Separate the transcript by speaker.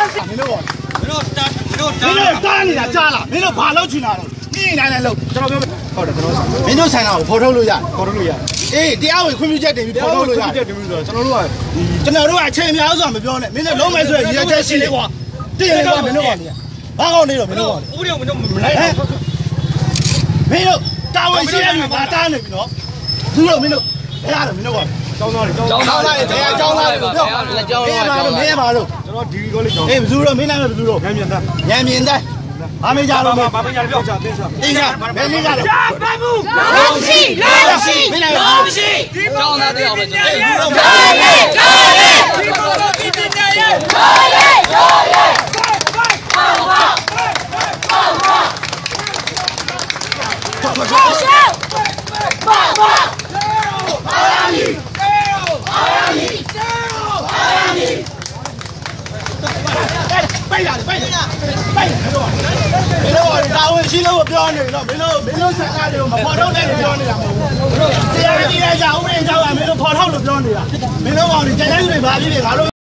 Speaker 1: တားနေတာကြားလားမင်းတို့ဘာလုပ်ချင်တာလဲနေနိုင်လို့ကျွန်တော်ပြောဟုတ်တယ်ကျွန်တော်မင်းတို့ဆိုင်လာကိုဖော်ထုတ်လို့ရဖော်ထုတ်လို့ရအေးတရားဝင်ခွင့်ပြုချက်တင်ပြီးဖော်ထုတ်လို့ရတင်ပြီးဆိုတော့ကျွန်တော်တို့ကအချိန်များစွာမပြောနဲ့မင်းတို့လုံးမယ်ဆိုရင်ရည်ချက်ရှိလေကွာတည်လေကွာမင်းတို့ကောင်ဘာကောင်းနေတော့မင်းတို့ကောင်ဥပဒေကိုမင်းတို့မလိုက်မင်းတို့တာဝန်ရှိတဲ့လူကတားနေပြီနော်သူတို့မင်းတို့ဘယ်ရတော့မင်းတို့ကောင်ကျောင်းသားတွေပြောမင်းပါလို့ကျွန်တော်ဒီကောလေးကျောင်းအေးဘယ်သူတော့မင်းနိုင်ဘယ်သူတော့ညံမြင်တဲ့ဘာမေးကြလို့ဘာမေးကြပြောကြတင်းစားဘယ်မေးကြလဲရှားပတ်မှုလုံးရှိမင်းနိုင်လုံးရှိကျောင်းသားတယောက်ပဲကျွန်တော်ဒီဘောလုံးဒီပညာရဲ့ပိုက်တာဝင်ရှိလို့ပြောနေတော့မင်းတို့ဆက်ကားတွေကိုမဖော်ထုတ်နိုင်လို့ပြောနေတာမဟုတ်ဘူးတရားကြီးရကြဥပဒေကြောင့်မင်းတို့ဖော်ထုတ်လို့ပြောနေတာမင်းတို့ကောင်တွေကြမ်းကြမ်းတွေဘာဖြစ်နေငါတို့